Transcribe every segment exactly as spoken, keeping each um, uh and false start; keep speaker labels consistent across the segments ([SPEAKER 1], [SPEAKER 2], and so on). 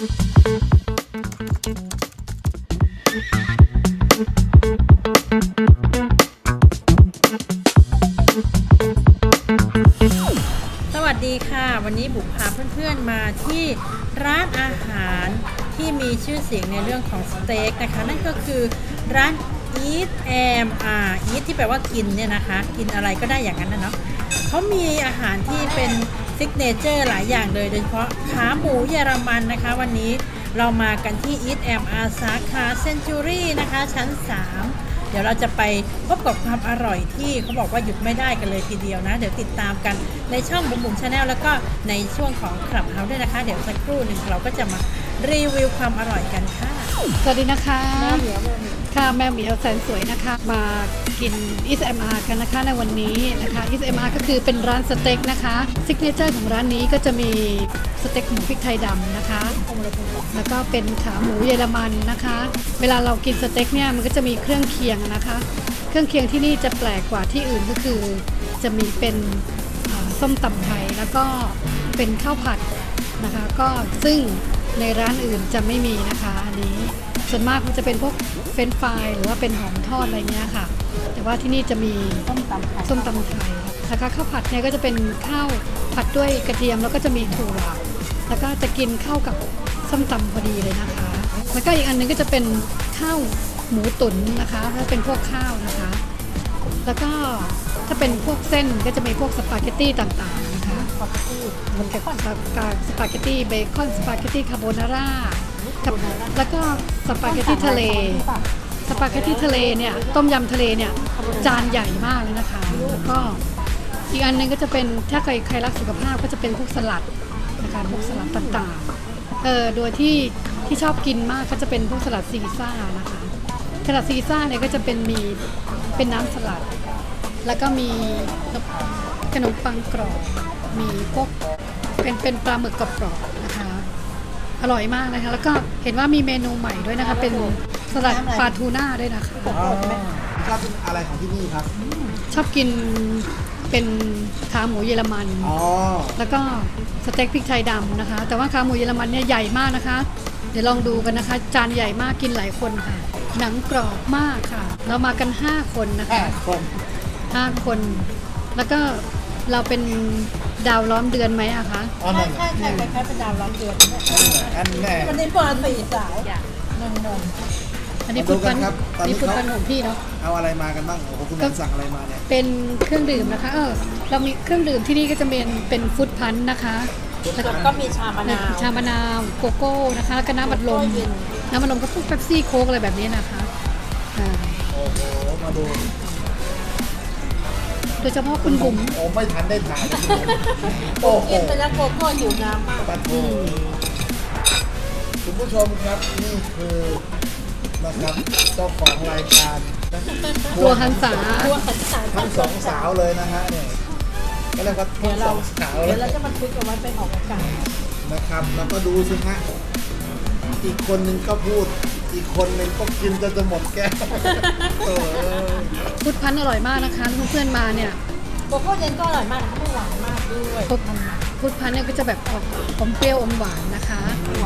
[SPEAKER 1] สวัสดีค่ะวันนี้บุ๋มพาเพื่อนๆมาที่ร้านอาหารที่มีชื่อเสียงในเรื่องของสเต็กนะคะนั่นก็คือร้าน Eat Am อ่า Eat ที่แปลว่ากินเนี่ยนะคะกินอะไรก็ได้อย่างนั้นนะเนาะเขามีอาหารที่เป็นซิกเนเจอร์หลายอย่างเลยโดยเฉพาะขาหมูเยอรมันนะคะวันนี้เรามากันที่ Eat Am อาสาขาเซนจูรี่นะคะชั้นสามเดี๋ยวเราจะไปพบกับความอร่อยที่เขาบอกว่าหยุดไม่ได้กันเลยทีเดียวนะเดี๋ยวติดตามกันในช่องบุ๋มบุ๋มชาแนลแล้วก็ในช่วงของคลับเฮาส์ด้วยนะคะเดี๋ยวสักครู่หนึ่งเราก็จะมารีวิวความอร่อยกันค่ะ
[SPEAKER 2] สวัสดีนะคะ
[SPEAKER 1] แม่เหมียวแม่เหมียว
[SPEAKER 2] ค่ะแมวเหมียวแสนสวยนะคะมากิน Eat Am กันนะคะในวันนี้นะคะ Eat Am ก็คือเป็นร้านสเต็กนะคะซิกเนเจอร์ของร้านนี้ก็จะมีสเต็กหมูพริกไทยดำนะคะแล้วก็เป็นขาหมูเยอรมันนะคะเวลาเรากินสเต็กเนี่ยมันก็จะมีเครื่องเคียงนะคะเครื่องเคียงที่นี่จะแปลกกว่าที่อื่นก็คือจะมีเป็นส้มตำไทยแล้วก็เป็นข้าวผัดนะคะก็ซึ่งในร้านอื่นจะไม่มีนะคะอันนี้ส่วนมากมันจะเป็นพวกเฟรนช์ฟรายหรือว่าเป็นหอมทอดอะไรเงี้ยค่ะแต่ว่าที่นี่จะมี
[SPEAKER 1] ส้มตำไทย
[SPEAKER 2] ส้มตำไทยนะคะข้าวผัดเนี่ยก็จะเป็นข้าวผัดด้วยกระเทียมแล้วก็จะมีถั่วแล้วก็จะกินเข้ากับส้มตำพอดีเลยนะคะแล้วก็อีกอันนึงก็จะเป็นข้าวหมูตุ๋นนะคะถ้าเป็นพวกข้าวนะคะแล้วก็ถ้าเป็นพวกเส้นก็จะมีพวกสปาเกตตี้ต่างๆนะคะ
[SPEAKER 1] สปาเกตตี้
[SPEAKER 2] มันกับสปาเกตตี้เบคอนสปาเกตตี้คาโบนาร่าแล้วก็สปาเกตตี้ทะเลสปาเกตตี้ทะเลเนี่ยต้มยำทะเลเนี่ยจานใหญ่มากเลยนะคะแล้วก็อีกอันนึงก็จะเป็นถ้าใครใครรักสุขภาพก็จะเป็นพวกสลัดนะคะพวกสลัดต่างๆเออโดยที่ที่ชอบกินมากก็จะเป็นพวกสลัดซีซ่านะคะสลัดซีซ่าเนี่ยก็จะเป็นมีเป็นน้ำสลัดแล้วก็มีขนมปังกรอบมีพวกเป็นเป็นปลาหมึกกรอบๆนะคะอร่อยมากนะคะแล้วก็เห็นว่ามีเมนูใหม่ด้วยนะคะเป็นสลัดปลาทูน่าด้วยนะคะ
[SPEAKER 3] ชอบอะไรของที่นี่ครับ
[SPEAKER 2] ชอบกินเป็นขาหมูเยอรมันแล้วก็สเต็กพริกไทยดำนะคะแต่ว่าขาหมูเยอรมันเนี่ยใหญ่มากนะคะเดี๋ยวลองดูกันนะคะจานใหญ่มากกินหลายคนค่ะหนังกรอบมากค่ะเรามากันห้าคนนะคะห้าคนแล้วก็เราเป็นดาวล้อมเดือนไหมอะคะ
[SPEAKER 1] ใช่ใช่ใช่คล้ายๆเป็นดาวล้อมเดือน
[SPEAKER 3] อันแน่
[SPEAKER 1] วันนี้ปอสี่สายนนน
[SPEAKER 2] อันนี้ฟุตบอลนี่ฟุตบอลของพี่เนาะ
[SPEAKER 3] เอาอะไรมากันบ้างโอ้โหคุณสั่งอะไรมาเนี่ย
[SPEAKER 2] เป็นเครื่องดื่มนะคะเออเรามีเครื่องดื่มที่นี่ก็จะเป็นเป็นฟุตพันธ์นะคะ
[SPEAKER 1] แล้วก็มีชามะนาว
[SPEAKER 2] ชามะนาวโกโก้นะคะแล้วก็น้ำบัดลมน้ำบัดลมก็พวกเป๊ปซี่โค้กอะไรแบบนี้นะคะ
[SPEAKER 3] โอ้โหมาดู
[SPEAKER 2] โดยเฉพาะคุณบุ๋ม
[SPEAKER 3] โอ้ไม่ทันได้ถ่าย
[SPEAKER 1] โอ้กินไปแล้วโกโก้หิวน้ำมาก
[SPEAKER 3] คุณผู้ชมครับนี่คือนะครับเจ้าของรายการ
[SPEAKER 2] ตัวหันษา
[SPEAKER 3] ทั้งสองสาวเลยนะฮะเนี่ยก็เรียกว่าทั้งสองสาว
[SPEAKER 1] เดี๋ยวเราจะมาคุยกันไว้ไปออกอากาศ
[SPEAKER 3] นะครับแล้วก็ดูสิฮะอีกคนนึงก็พูดอีกคนนึงก็กินจนจะหมดแก้ว
[SPEAKER 2] ฟุตพันธ์อร่อยมากนะคะเพื่อนๆมาเนี่ย
[SPEAKER 1] โกโก้เย็นก็อร่อยมากนะคะไม่หวานมากด้วย
[SPEAKER 2] ฟุตพันธ์เนี่ยก็จะแบบอมเปรี้ยวอมหวานนะคะ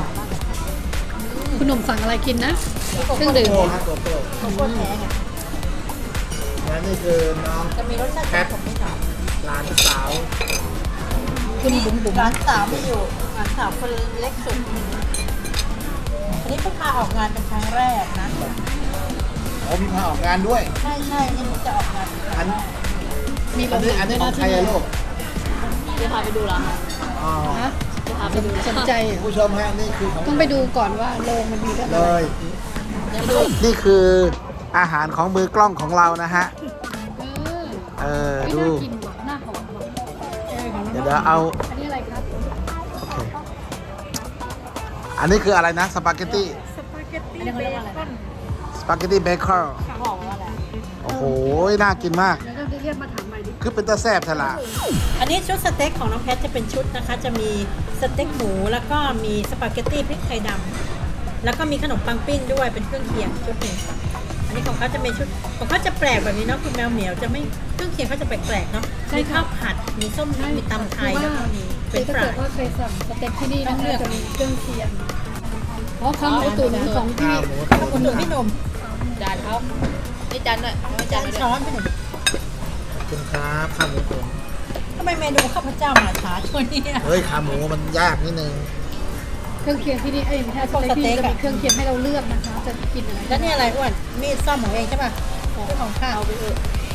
[SPEAKER 2] คุณหนุ่มสั่งอะไรกินนะเครื่องดื่ม
[SPEAKER 3] โกโก้แท้ไงและนี่คือน้อง
[SPEAKER 1] จะมีรสชาติแคทผมไม่ถาม
[SPEAKER 3] หลานสาว
[SPEAKER 2] คุณบุ๋มบุ๋ม
[SPEAKER 1] หลานสาวไม่อยู่หลานสาวคนเล็กสุดอันนี้เพิ่งมาออกงานเป็นครั้งแรกนะ
[SPEAKER 3] โอ้มีมาออกงานด้วย
[SPEAKER 1] ใช่ใช่นี่จะออกงาน
[SPEAKER 3] อันมีอันนี้อันนี้ของใครอะลูก
[SPEAKER 4] จะพาไปดูเหรอคะ
[SPEAKER 3] อ๋อ
[SPEAKER 4] จะพาไปดู
[SPEAKER 2] สนใจ
[SPEAKER 3] ผู้ชมฮะนี่คือ
[SPEAKER 2] ต้องไปดูก่อนว่าโรงมันมีอะไร
[SPEAKER 3] เลยนี่คืออาหารของมือกล้องของเรานะฮะเออดู
[SPEAKER 2] หน้าหอม
[SPEAKER 3] เดี๋ยวเดี๋ยวเอา
[SPEAKER 2] อันนี้อะไรครับ
[SPEAKER 3] โอเคอันนี้คืออะไรนะสปาเกตตี้
[SPEAKER 1] สปาเกตตี้เบคอน
[SPEAKER 3] สปาเกตตี้เบคอนโอ้โหน่ากินมากคือเป็นตะแซ่บทละ
[SPEAKER 1] อันนี้ชุดสเต็กของน้องแพทจะเป็นชุดนะคะจะมีสเต็กหมูแล้วก็มีสปาเกตตี้พริกไทยดำแล้วก็มีขนมปังปิ้งด้วยเป็นเครื่องเคียงชุดหนึ่งอันนี้ของเขาจะเป็นชุดของเขาจะแปลกแบบนี้เนาะคุณแมวเหมียวจะไม่เครื่องเคียงเขาจะแปลกๆเนาะมีข้าวผัดมีส้มมีตำไทยแล้วก็มี
[SPEAKER 2] เป็นปลาถ้าเกิดว่าเคยสั่งสเต็กที่นี่นะคะจะมีเครื่องเคียงอ๋อขาหมูตุ๋นของพี่
[SPEAKER 3] ข้าวหมู
[SPEAKER 1] ขอบ
[SPEAKER 3] ตุ๋
[SPEAKER 1] คุณ
[SPEAKER 3] น
[SPEAKER 1] หนุ่มพี่หนุ่ม
[SPEAKER 4] จานเขาไม่จานด้วยไม่จา
[SPEAKER 1] จาน น
[SPEAKER 4] ด้วย
[SPEAKER 1] ช้อนพี่หนุ่ม
[SPEAKER 3] ขอบคุณครับข้าวหมูตุ๋น
[SPEAKER 1] ทำไมเมนูข้าวพเจ้ามาช้าช่วงนี้
[SPEAKER 3] เฮ้ยขาหมูมันยากนิดนึง
[SPEAKER 2] เครื่องเคียงที่นี่เอ้ยไม่ใช่สเต็กที่นี่จะมีเครื่องเคียงให้เราเลือกนะคะ จะกินอะไร
[SPEAKER 1] แล้วนี่อะไรอ้วนมีดซ่อมของเองใช่ป่ะของของข้าว
[SPEAKER 4] เอาไปเถอะ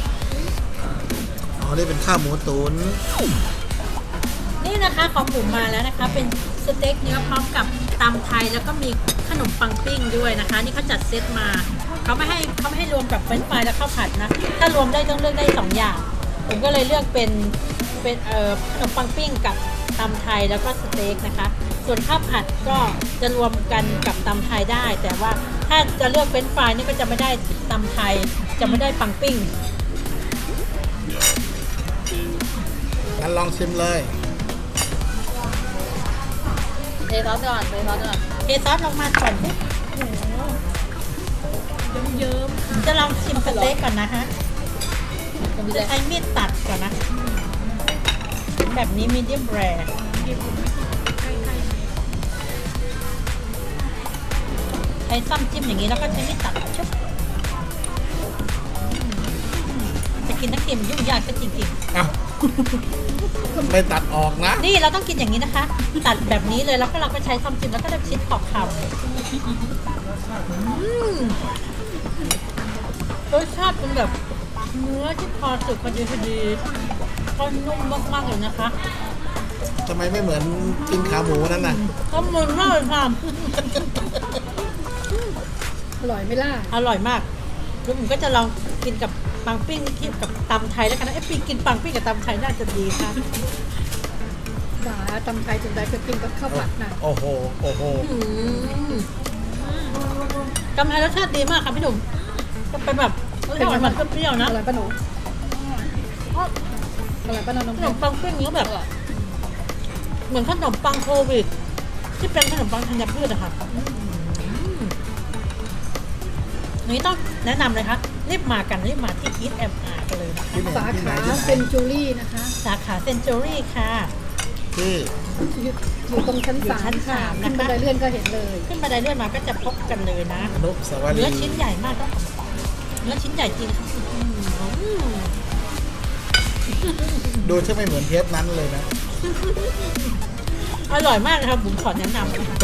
[SPEAKER 3] อ๋อนี่เป็นข้าวหมูตุ๋น
[SPEAKER 1] นี่นะคะของบุ๋มมาแล้วนะคะ เป็นสเต็กเนื้อพร้อมกับตำไทยแล้วก็มีขนมปังปิ้งด้วยนะคะ นี่เขาจัดเซตมาเขาไม่ให้เขาไม่ให้รวมกับเฟรนช์ฟรายและข้าวผัดนะถ้ารวมได้ต้องเลือกได้สองอย่างผมก็เลยเลือกเป็นเป็นเอ่อขนมปังปิ้งกับตำไทยแล้วก็สเต็กนะคะ ส่วนข้าวผัดก็จะรวมกันกับตำไทยได้ แต่ว่าถ้าจะเลือกเฟรนช์ฟรายนี่ก็จะไม่ได้ตำไทยจะไม่ได้ปังปิ้ง
[SPEAKER 3] งั้นลองชิมเลย
[SPEAKER 4] เทซอสก่อนเทซอสก่อน
[SPEAKER 1] เทซอสลงมาก่อนสิเยิ้มๆจะลองชิมสเต็กก่อนนะฮะ
[SPEAKER 4] จะมี
[SPEAKER 1] จะ
[SPEAKER 4] อะไร
[SPEAKER 1] ใช้มีดตัดก่อนนะ แบบนี้มีเดียมแรร์ใช้ซ้ำจิ้มอย่างนี้แล้วก็ใช้มีดตัดชุบจะกินนักเกมยุ่งยากก็จริง
[SPEAKER 3] อ้าว ไม่ตัดออกนะ
[SPEAKER 1] ๆ นี่เราต้องกินอย่างนี้นะคะ ตัดแบบนี้เลยแล้วก็เราก็ใช้ซ้ำจิ้มแล้วก็ได้ชิ้นขอบข่าวรสชาติเป็นแบบเนื้อที่พอสุกพอดีพอดีก็นุ่มมากๆเลยนะคะ
[SPEAKER 3] ทำไมไม่เหมือนกินขาหมูนั่นน่ะ
[SPEAKER 1] ก็มึนมากเลยค่ะ
[SPEAKER 2] อร่อยไหม่ล่ะ
[SPEAKER 1] อร่อยมากแล้วผมก็จะลองกินกับปังปิ้งที่กับตำไทยแล้วกันนะเอ๊ะปีกินปังปิ้งกับตำไทยน่าจะดีค่ะ
[SPEAKER 2] หมาตำไทยจนได้ก็กินกับข้าวผัดน่ะ
[SPEAKER 3] โอ้โห โอ้โห
[SPEAKER 1] อืมตำไทยรสชาติดีมากค่ะพี่หนุ่มก็เป็นแบบรสชาติหวานๆเปรี้ยวๆนะ
[SPEAKER 2] อร่อยปะหนูอร่อยปะน้องน้อง
[SPEAKER 1] ขนมปังปิ้งนี้แบบ เหมือนขนมปังโควิด ที่เป็นขนมปังธัญพืชอะค่ะอืมอันนี้ต้องแนะนำเลยค่ะรีบมากันรีบมาที่คิดแอมอาร์กันเลยนะ
[SPEAKER 3] ที่ไหน
[SPEAKER 2] สา
[SPEAKER 3] ที่ไหน
[SPEAKER 2] ขา
[SPEAKER 3] ที่ไหน
[SPEAKER 2] เซนจูรี่นะคะ
[SPEAKER 1] สาขาเซนจูรี่ค่ะ
[SPEAKER 3] ที่
[SPEAKER 2] อยู่อยู่ตรงชั้น
[SPEAKER 1] อยู่
[SPEAKER 2] สา
[SPEAKER 1] ชั้
[SPEAKER 2] ม
[SPEAKER 1] น
[SPEAKER 2] ค่ะ
[SPEAKER 1] สามนะคะ
[SPEAKER 2] ขึ้นบันไดเลื่อนก็เห็นเลย
[SPEAKER 1] ขึ้นบันไดเลื่อนมาก็จะพบกันเลยนะ
[SPEAKER 3] อนุสาวรี
[SPEAKER 1] เนื้อ
[SPEAKER 3] ย์
[SPEAKER 1] ชิ้นใหญ่มากต้องเนื้อชิ้นใหญ่จริงค่ะอืม
[SPEAKER 3] ดูใช่ไม่เหมือนเทปนั้นเลยนะ
[SPEAKER 1] อร่อยมากนะครับผมขอแนะนำนะคะ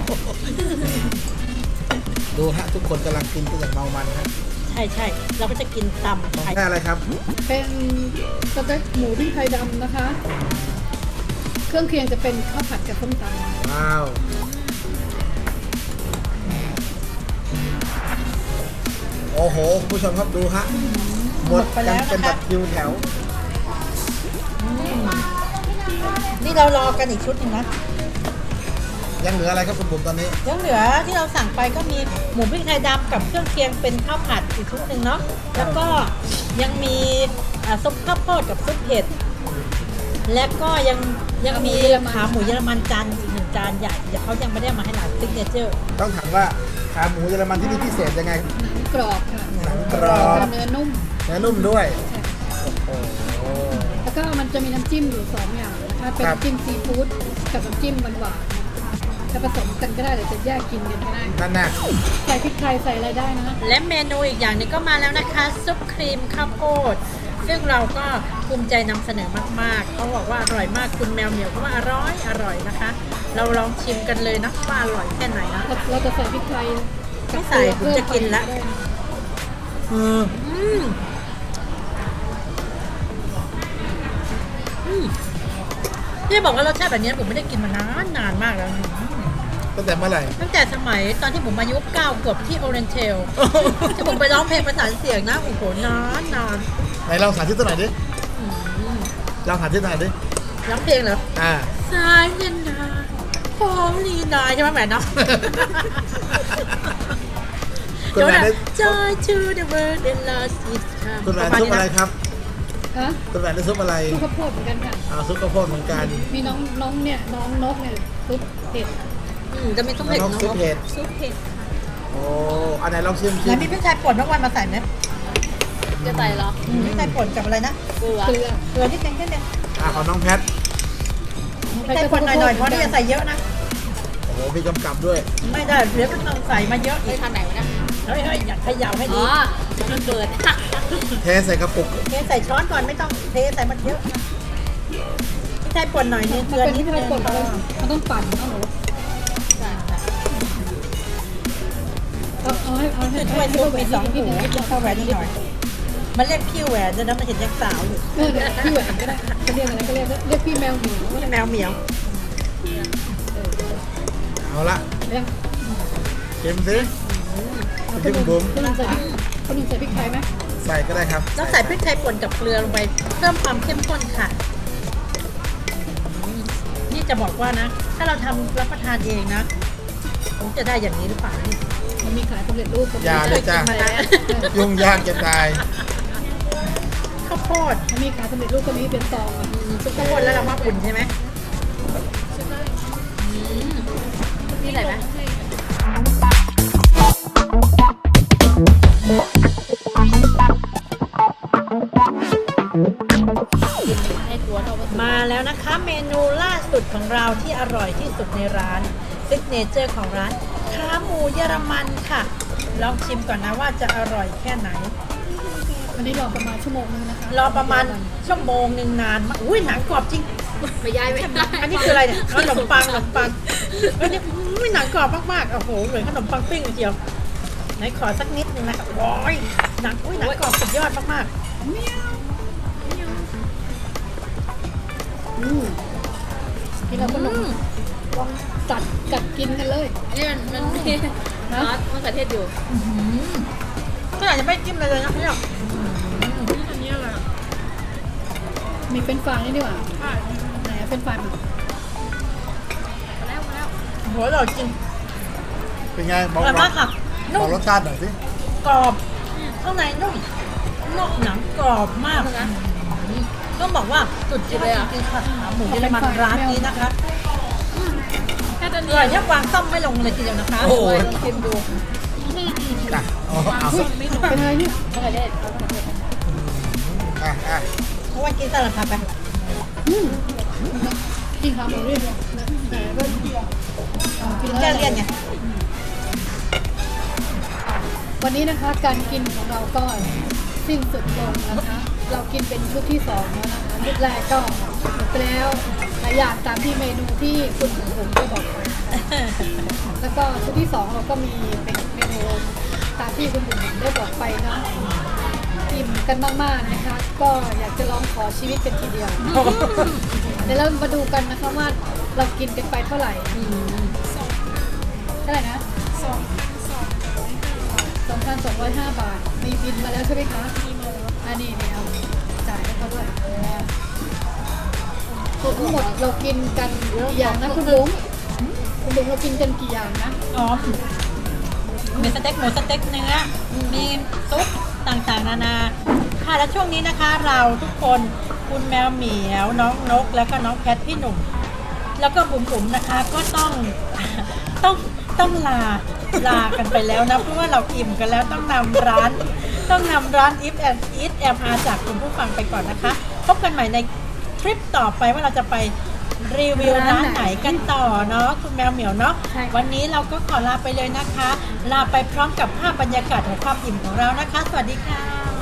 [SPEAKER 3] ดูฮะทุกคนกำลังกินกันอย่างเมามันฮะ
[SPEAKER 1] ใช่ใช่เราก็จะกินตำ
[SPEAKER 3] ของ
[SPEAKER 1] ไทย
[SPEAKER 3] แค่อะไรครับ
[SPEAKER 2] เป็นสเต็กหมูพริกไทยดำนะคะ เครื่องเคียงจะเป็นข้าวผัดกับส้มตำ
[SPEAKER 3] ว้าว โอ้โหคุณผู้ชมครับดูฮะ หมดกันเป็นแบบคิวแถว
[SPEAKER 1] นี่เรารอกันอีกชุดหนึงนะ
[SPEAKER 3] ยังเหลืออะไรครับคุณบุ๋มตอนนี้
[SPEAKER 1] ยังเหลือที่เราสั่งไปก็มีหมูพริกไทยดำกับเครื่องเคียงเป็นข้าวผัดอีกชุดหนึ่งเนาะแล้วก็ยังมีอ่าซุปข้าวโพดกับซุปเห็ดและก็ยังยังมีขาหมูเยอรมันจานอีกหนึ่งจานใหญ่เดี๋ยวเขายังไม่ได้เอามาให้เราซิกเนเจอร์
[SPEAKER 3] ต้องถามว่าขาหมูเยอรมันที่นี่พิเศษยังไง
[SPEAKER 2] หนังกรอบค่ะ
[SPEAKER 3] หนังกรอบ
[SPEAKER 2] เนื้อนุ่ม
[SPEAKER 3] เนื้อนุ่มด้วย โอ้โห
[SPEAKER 2] แล้วก็มันจะมีน้ำจิ้มอยู่สองอย่างนะคะเป็น
[SPEAKER 3] ครับ
[SPEAKER 2] น้ำจิ้มซีฟู้ดกับน้ำจิ้มหวานๆจะผสมกันก็ได้หรือจะแยกกินกันก็ได้
[SPEAKER 3] นั่นน่ะ
[SPEAKER 2] ใส่พริกไทยใส่อะไรได้นะ
[SPEAKER 1] และเมนูอีกอย่างหนึงก็มาแล้วนะคะซุปครีมข้าวโพดซึ่งเราก็ภูมิใจนำเสนอมากๆเขาบอกว่าอร่อยมากคุณแมวเหมียวก็ว่าอร่อยอร่อยนะคะ เราลองชิมกันเลยนะว่าอร่อยแค่ไหนนะ
[SPEAKER 2] เราเราจะใส่พริกไทยกับ
[SPEAKER 1] ไม่ใส่
[SPEAKER 2] เกลือ
[SPEAKER 1] ผมจะกินละ
[SPEAKER 2] เพิ่มไปได้นะ
[SPEAKER 3] อืม
[SPEAKER 1] อืมอืมที่บอกว่ารสชาติแบบนี้ผมไม่ได้กินมานานนานมากแล้ว
[SPEAKER 3] ตั้งแต่เมื่อไหร่
[SPEAKER 1] ตั้งแต่สมัยตอนที่ผมอายุเก้าขวบที่โอเรนเทลที่ผมไปร้องเพลงประสานเสียงนะโอ้โหนานนาน
[SPEAKER 3] ไหนลองสาธิตตัวไหนอยดิ
[SPEAKER 1] อืม
[SPEAKER 3] ลองสาธิตตัวไหนอยดิ
[SPEAKER 1] ร้องเพลงเหรอ
[SPEAKER 3] อ่า
[SPEAKER 1] สายเย็นนาพร้อมลีนาใช่ไหมแหม่เนาะ
[SPEAKER 3] คุณแหวนได้
[SPEAKER 1] Joy to the world and lost its charm
[SPEAKER 3] คุณแหวนซุปอะไรครับ
[SPEAKER 2] ฮะ
[SPEAKER 3] คุณแหวนได้ซุปอะไร
[SPEAKER 2] ซุปข้าวโพดเหมือนกันค่ะ
[SPEAKER 3] อ่าซุปข้าวโพดเหมือนกัน
[SPEAKER 2] มีน้องน้องเนี่ยน้องนกเนี่ยซุปเห็ด
[SPEAKER 1] อืมจะมีซุปเห็ด
[SPEAKER 3] น้องซุปเห็ด
[SPEAKER 1] ซุปเห็ด
[SPEAKER 3] โอ้อันไหนลองชิมชิ
[SPEAKER 1] แล้ว
[SPEAKER 3] ม
[SPEAKER 1] มีพริกไทยป่นน้องวันมาใส่ไหม
[SPEAKER 4] จะใส่เหรอ
[SPEAKER 1] อืมพริกไทยป่นกับอะไรนะ
[SPEAKER 4] เกลือ
[SPEAKER 2] เกลือ
[SPEAKER 1] เกลือนิดนึงนิดนึง
[SPEAKER 3] อ่าของน้องแพท
[SPEAKER 1] พริกไทยป่นหน่อยๆเพราะนี่จะใส่เยอะนะ
[SPEAKER 3] โอ้โหมีกำกับด้วย
[SPEAKER 1] ไม่ได้เดี๋ยวก็ต้องใส่มาเยอะ
[SPEAKER 4] ไป
[SPEAKER 1] อีก
[SPEAKER 4] ทางไหนวะเนี่ย
[SPEAKER 1] เฮ้ยเฮ้ยอย่าเขย่าให้
[SPEAKER 4] อ๋
[SPEAKER 1] ดี
[SPEAKER 4] อมันเปิด
[SPEAKER 3] เทใส่กระปุก
[SPEAKER 1] เทใส่ช้อนก่อนไม่ต้องเทใส่มันเยอะพี่ไทยป่นหน่อยนึง
[SPEAKER 2] มัน
[SPEAKER 1] เกลือ
[SPEAKER 2] เป็น
[SPEAKER 1] นิ
[SPEAKER 2] ที่
[SPEAKER 1] ด
[SPEAKER 2] ไม่
[SPEAKER 1] นึ
[SPEAKER 2] ได้
[SPEAKER 1] ง
[SPEAKER 2] กดเลยมันต้องปั่นเอาหนู
[SPEAKER 4] ใช่ใช่
[SPEAKER 2] เอาเอาให้เอาให้
[SPEAKER 1] ช่วยซุปมีสองหู
[SPEAKER 2] นิดนึง
[SPEAKER 1] เข้าแหวนนิดหน่อยมันเรียกพี่แหวนจะนะมันเห็นยังสาวอยู่
[SPEAKER 2] เออเดี๋ยวพี่แหวนก็ได้จะเรียกอะไรก็เรียกเรียกพี่แมวหนู
[SPEAKER 1] พี่แมวเหมียว
[SPEAKER 3] เอาละ
[SPEAKER 2] เรียก
[SPEAKER 3] เค็มสิไปจิ้มบุ๋ม
[SPEAKER 2] คุณลุงใส่พริกคุณลุงใส่พริกไทยไหม
[SPEAKER 3] ใส่ก็ได้ครับ
[SPEAKER 1] ต้องใส่พริกไทยป่นกับเกลือลงไปเพิ่มความเข้มข้นค่ะอืมนี่จะบอกว่านะ ถ้าเราทำรับประทานเองนะผมจะได้อย่างนี้หรือเปล่านี่
[SPEAKER 2] มันมีขายสำเร็จรูปกับ
[SPEAKER 3] อย่าเลยจ้า
[SPEAKER 1] มาแล้ว
[SPEAKER 3] ยุ่งยากจะตาย
[SPEAKER 1] ข้าวโพด
[SPEAKER 2] มันมีขายสำเร็จรูปก็มีเป็นซองอ่ะ
[SPEAKER 1] ซุปข้าวโพดแล้วเรามาอุ่นใช่ไหม
[SPEAKER 4] นี่ไหนไหมให้ตัวเท่ากับ
[SPEAKER 1] มาแล้วนะคะ เมนูล่าสุดของเราที่อร่อยที่สุดในร้านซิกเนเจอร์ของร้านขาหมูเยอรมันค่ะ ลองชิมก่อนนะว่าจะอร่อยแค่ไหน
[SPEAKER 2] อันนี้รอประมาณชั่วโมงนึงนะคะ
[SPEAKER 1] รอประมาณชั่วโมงหนึ่งนานมากอุ้ยหนังกรอบจริง
[SPEAKER 4] ไม่ย้ายไม่ได้
[SPEAKER 1] อันนี้คืออะไรเนี่ยขนมปังขนมปังอันนี้อุ้ยหนังกรอบมากๆโอ้โหเหมือนขนมปังปิ้งเลยทีเดียวไหนขอสักนิดนึงนะคะโอ้ยหนังอุ้ยหนังกรอบสุดยอดมาก
[SPEAKER 2] อืมกินแล้วก็ลงลองจัดจัดกินกันเลย
[SPEAKER 4] นี่มันมันมีซอสมะเขือเทศอยู่
[SPEAKER 1] ๆอื้อหือก็อาจจะไม่จิ้มเลยเลยนะพี่หรอก
[SPEAKER 4] อันนี้อะไร
[SPEAKER 2] มีเป็นฟรายนี่ดีกว่าไหนอะเป็นฟรายมัน
[SPEAKER 4] มาแล้วมาแล้ว
[SPEAKER 1] โอ้โหอร่อยจริง
[SPEAKER 3] เป็นไง
[SPEAKER 1] อบ
[SPEAKER 3] อ
[SPEAKER 1] ร่อย
[SPEAKER 3] ก
[SPEAKER 1] มากค่ะ
[SPEAKER 3] บ
[SPEAKER 1] นุ่
[SPEAKER 3] อ
[SPEAKER 1] ม
[SPEAKER 3] กรสชาติหน่อยสิ
[SPEAKER 1] กรอบข้างในนุ่มนอกหนังกรอบมากต้องบอกว่าสุดยอดจริงๆค่ะขาหมูเยอรมันร้านนี้นะคะ
[SPEAKER 4] แค่ตอน
[SPEAKER 1] อ
[SPEAKER 4] นี้
[SPEAKER 1] ร่อยแทบวางซ่อมไม่ลงเลยทีเดียวนะคะ
[SPEAKER 3] โอ้โห
[SPEAKER 1] ลองชิมดู
[SPEAKER 3] อ่ะเอาเอา
[SPEAKER 2] อุ้ยเป็นอะไรเนี่ย
[SPEAKER 4] มะเขือเทศมะเขือเทศ
[SPEAKER 3] อ่ะอ่ะ
[SPEAKER 1] เพราะว่ากินสลัดผักไป
[SPEAKER 2] อืมกินขาหมูเรียบเลยนะแต่ก็กินแล้ว
[SPEAKER 1] แก้เลี่ยนไง
[SPEAKER 2] วันนี้นะคะการกินของเราก็สิ้นสุดลงนะคะ เรากินเป็นชุดที่สองแล้วนะคะชุดแรกก็หมดไปแล้วหลายอย่างตามที่เมนูที่คุณผมผมได้บอกไปนะคะแล้วก็ชุดที่สองเราก็มีเป็นเมนูตามที่คุณผมผมได้บอกไปเนาะอิ่มกันมากๆนะคะ ก็อยากจะลองขอชีวิตกันทีเดียว เดี๋ยวเรามาดูกันนะคะว่าเรากินกันไปเท่าไหร่เท่าไหร่นะสองสองพันสองร้อยห้าบาท มีบินมาแล้วใช่ไหมคะมีมาแล้วอันนี้เนี่ยเอาจ่ายให้เขาด้วยทั้งหมดเรากินกันกี่อย่างนะคุณลุงคุณลุงเรากินกันกี่อย่างนะ
[SPEAKER 1] อ๋อมีสเต็กหมูสเต็กเนื้อ มีซุปต่างๆนานา ค่ะและช่วงนี้นะคะเราทุกคนคุณแมวเหมียวน้องนกแล้วก็น้องแพทพี่หนุ่ม แล้วก็บุ๋มบุ๋มๆนะคะก็ต้อง ต้องต้องลาลากันไปแล้วนะเพราะว่าเราอิ่มกันแล้วต้องนำร้าน ต้องนำร้าน If and Eat แอม อาร์ จากคุณผู้ฟังไปก่อนนะคะ พบกันใหม่ในทริปต่อไปว่าเราจะไปรีวิวร้านไหนกันต่อเนาะคุณแมวเหมียวเนาะ
[SPEAKER 2] ใช่ค่ะ
[SPEAKER 1] วันนี้เราก็ขอลาไปเลยนะคะ ลาไปพร้อมกับภาพบรรยากาศของความอิ่มของเรานะคะ สวัสดีค่ะ